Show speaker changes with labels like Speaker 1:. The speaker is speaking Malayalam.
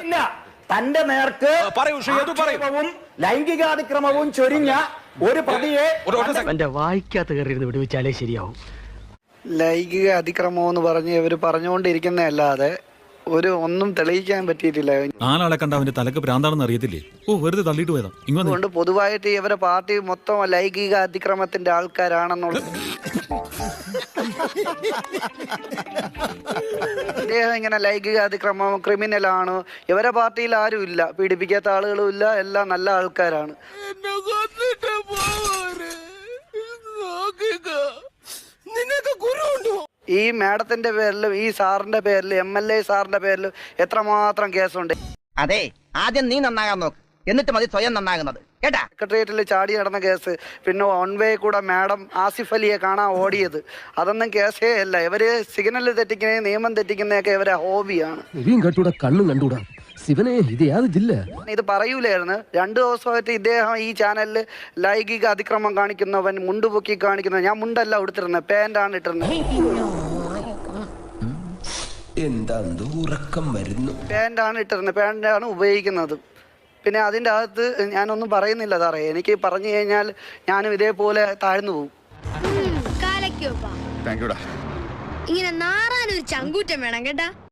Speaker 1: ഇല്ല, തന്റെ നേർക്ക് ലൈംഗികാതിക്രമവും ചൊരിഞ്ഞ ഒരു പ്രതിയെ
Speaker 2: വായിക്കാത്ത കയറിയിരുന്ന് വിടുവിച്ചാലേ ശരിയാവും.
Speaker 3: ലൈംഗിക അതിക്രമം എന്ന് പറഞ്ഞ് ഇവർ പറഞ്ഞുകൊണ്ടിരിക്കുന്നതല്ലാതെ ഒന്നും തെളിയിക്കാൻ പറ്റിയിട്ടില്ല.
Speaker 4: നാലാളെ കണ്ട അവന്റെ തലക്ക് ഭ്രാന്താണെന്ന് അറിയത്തില്ലേ? വെറുതെ തള്ളിയിട്ട് പോയതാ.
Speaker 3: അതുകൊണ്ട് പൊതുവായിട്ട് ഇവരെ പാർട്ടി മൊത്തം ലൈംഗിക അതിക്രമത്തിന്റെ ആൾക്കാരാണെന്നുള്ളത്. ഇദ്ദേഹം ഇങ്ങനെ ലൈംഗിക അതിക്രമം ക്രിമിനലാണ്. ഇവരെ പാർട്ടിയിൽ ആരും ഇല്ല, പീഡിപ്പിക്കാത്ത ആളുകളും ഇല്ല, എല്ലാം നല്ല ആൾക്കാരാണ്. ഈ മാഡത്തിന്റെ പേരിലും ഈ സാറിന്റെ പേരിലും MLA സാറിന്റെ പേരിലും എത്രമാത്രം കേസുണ്ട്.
Speaker 5: അതെ, ആദ്യം നീ നന്നാകാൻ നോക്ക്, എന്നിട്ട് മതി സ്വയം നന്നാകുന്നത് കേട്ടാ.
Speaker 3: സെക്രട്ടേറിയറ്റിൽ ചാടി നടന്ന കേസ്, പിന്നെ വേ കൂടെ മാഡം ആസിഫ് അലിയെ കാണാൻ ഓടിയത്, അതൊന്നും കേസേ അല്ല. ഇവര് സിഗ്നൽ തെറ്റിക്കുന്ന, നിയമം തെറ്റിക്കുന്നതൊക്കെ ഇവരെ ഹോബിയാണ്.
Speaker 2: കണ്ണും കണ്ടൂടാ ശിവനെ, ഇത് യാതൊരു ജില്ല.
Speaker 3: ഇത് പറയൂലായിരുന്നു. 2 ദിവസമായിട്ട് ഇദ്ദേഹം ഈ ചാനലിൽ ലൈംഗിക അതിക്രമം കാണിക്കുന്നവൻ, മുണ്ടുപൊക്കി കാണിക്കുന്ന. ഞാൻ മുണ്ടല്ല ഉടുത്തിരുന്നത്, പാന്റാണ് ഇട്ടിരുന്നത്. പാന്റാണ് ഇട്ടിരുന്നത്, പാന്റാണ് ഉപയോഗിക്കുന്നത്. പിന്നെ അതിൻ്റെ അകത്ത് ഞാനൊന്നും പറയുന്നില്ല സാറേ. എനിക്ക് പറഞ്ഞു കഴിഞ്ഞാൽ ഞാനും ഇതേപോലെ താഴ്ന്നു പോകും.
Speaker 6: ഇങ്ങനെ നാറാനൊരു ചങ്കൂറ്റം വേണം കേട്ടാ.